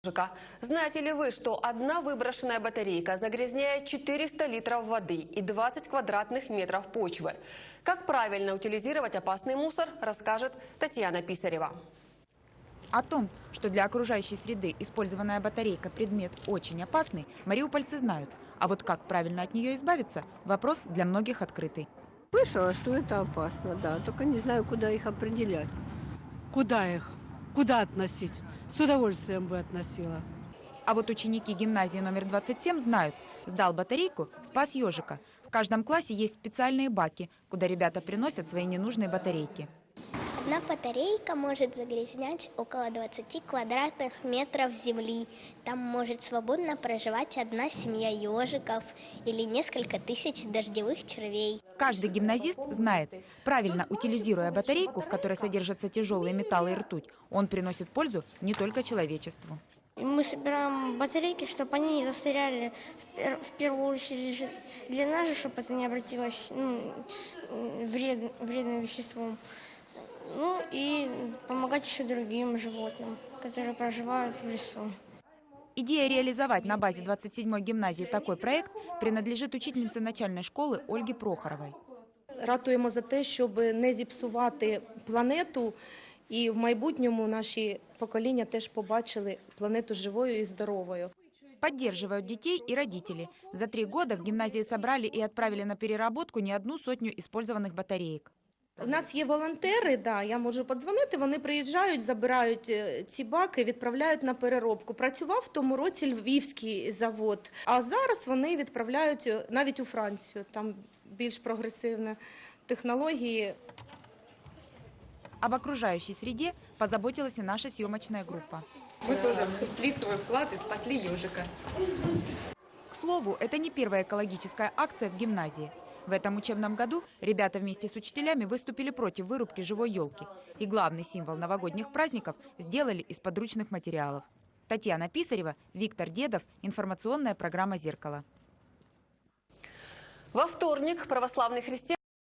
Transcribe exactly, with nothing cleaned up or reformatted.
Знаете ли вы, что одна выброшенная батарейка загрязняет четыреста литров воды и двадцать квадратных метров почвы? Как правильно утилизировать опасный мусор, расскажет Татьяна Писарева. О том, что для окружающей среды использованная батарейка – предмет очень опасный, мариупольцы знают. А вот как правильно от нее избавиться – вопрос для многих открытый. Слышала, что это опасно, да, только не знаю, куда их определять. Куда их? Куда относить? С удовольствием бы относила. А вот ученики гимназии номер двадцать семь знают – сдал батарейку, спас ежика. В каждом классе есть специальные баки, куда ребята приносят свои ненужные батарейки. Одна батарейка может загрязнять около двадцати квадратных метров земли. Там может свободно проживать одна семья ежиков или несколько тысяч дождевых червей. Каждый гимназист знает, правильно утилизируя батарейку, в которой содержатся тяжелые металлы и ртуть, он приносит пользу не только человечеству. Мы собираем батарейки, чтобы они не застряли в первую очередь для нас же, чтобы это не обратилось ну, вред, вредным веществом. Ну и помогать еще другим животным, которые проживают в лесу. Идея реализовать на базе двадцать седьмой гимназии такой проект принадлежит учительнице начальной школи Ольге Прохоровой. Ратуємо за те, щоб не зіпсувати планету, і в майбутньому наші покоління теж побачили планету живою і здоровою. Поддерживают детей и родители. За три года в гимназии собрали и отправили на переработку не одну сотню использованных батареек. У нас є волонтери, да, я можу подзвонити, вони приїжджають, забирають ці баки, відправляють на переробку. Працював в тому році львівський завод, а зараз вони відправляють навіть у Францію, там більш прогресивні технології. Об окружающей среде позаботилась и наша съемочная группа. Мы тоже внесли свой вклад и спасли ежика. К слову, это не первая экологическая акция в гимназии. В этом учебном году ребята вместе с учителями выступили против вырубки живой елки. И главный символ новогодних праздников сделали из подручных материалов. Татьяна Писарева, Виктор Дедов. Информационная программа «Зеркало». Во вторник православные христиане